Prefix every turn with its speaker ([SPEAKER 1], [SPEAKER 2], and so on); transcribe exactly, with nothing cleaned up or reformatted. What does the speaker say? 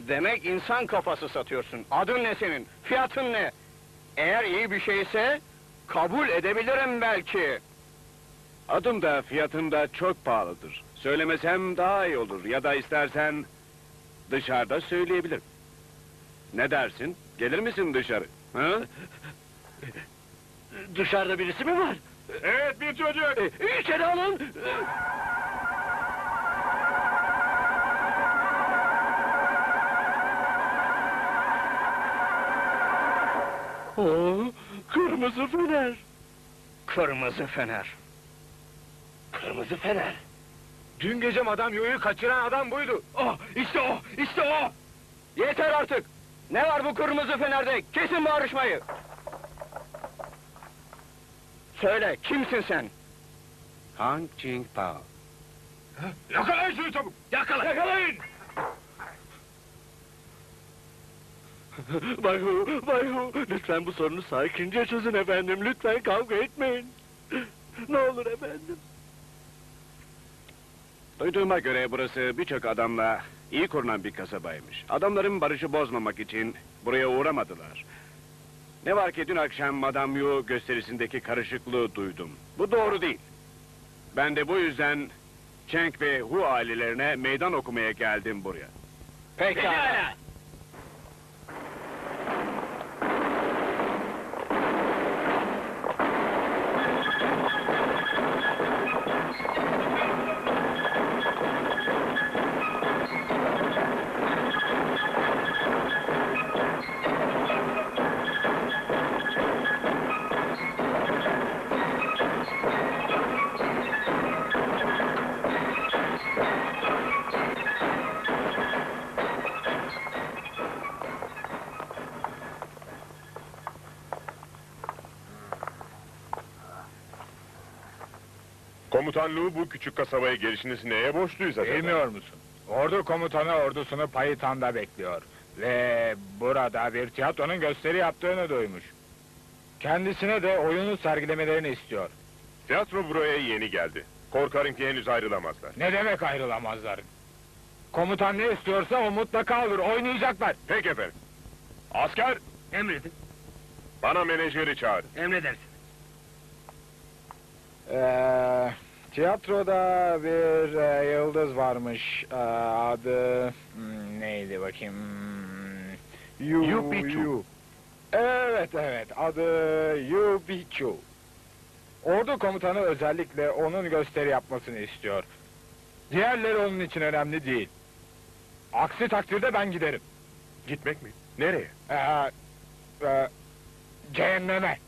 [SPEAKER 1] Demek insan kafası satıyorsun. Adın ne senin? Fiyatın ne? Eğer iyi bir şeyse kabul edebilirim belki.
[SPEAKER 2] Adım da fiyatım da çok pahalıdır. Söylemesem daha iyi olur ya da istersen dışarıda söyleyebilirim. Ne dersin? Gelir misin dışarı? Ha?
[SPEAKER 1] Dışarıda birisi mi var?
[SPEAKER 2] Evet, bir çocuk.
[SPEAKER 1] E, İçeri alın. Oo, kırmızı fener. Kırmızı fener. Kırmızı fener.
[SPEAKER 3] Dün gece Madame Yo'yu kaçıran adam buydu.
[SPEAKER 1] Oh, işte o, işte o! Yeter artık! Ne var bu kırmızı fenerde? Kesin bağırışmayı! Söyle, kimsin sen?
[SPEAKER 2] Han Ching Pao.
[SPEAKER 3] Yakalayın şunu çabuk!
[SPEAKER 1] Yakala! Yakalayın! Bay Hu, Bay Hu, lütfen bu sorunu sakince çözün efendim, lütfen kavga etmeyin. Ne olur efendim.
[SPEAKER 2] Duyduğuma göre burası birçok adamla iyi korunan bir kasabaymış. Adamların barışı bozmamak için buraya uğramadılar. Ne var ki dün akşam Madame Yu gösterisindeki karışıklığı duydum. Bu doğru değil. Ben de bu yüzden Cheng ve Hu ailelerine meydan okumaya geldim buraya.
[SPEAKER 1] Pekala!
[SPEAKER 4] Komutan Lu bu küçük kasabaya gelişiniz neye borçluyuz acaba?
[SPEAKER 3] Bilmiyor musun? Ordu komutanı ordusunu Payitan'da bekliyor. Ve burada bir tiyatronun gösteri yaptığını duymuş. Kendisine de oyunu sergilemelerini istiyor.
[SPEAKER 4] Tiyatro buraya yeni geldi. Korkarım ki henüz ayrılamazlar.
[SPEAKER 3] Ne demek ayrılamazlar? Komutan ne istiyorsa o mutlaka olur, oynayacaklar.
[SPEAKER 4] Peki efendim. Asker,
[SPEAKER 1] Emredin,
[SPEAKER 4] bana menajeri çağırın.
[SPEAKER 1] emredersin.
[SPEAKER 3] Ee, tiyatroda bir e, yıldız varmış. Ee, adı hmm, neydi bakayım? Hmm, Yu,
[SPEAKER 2] Yu Pichu.
[SPEAKER 3] Yu. Evet evet, adı Yu Pichu. Ordu komutanı özellikle onun gösteri yapmasını istiyor. Diğerleri onun için önemli değil. Aksi takdirde ben giderim.
[SPEAKER 4] Gitmek mi? Nereye?
[SPEAKER 3] Ee, e, cehenneme.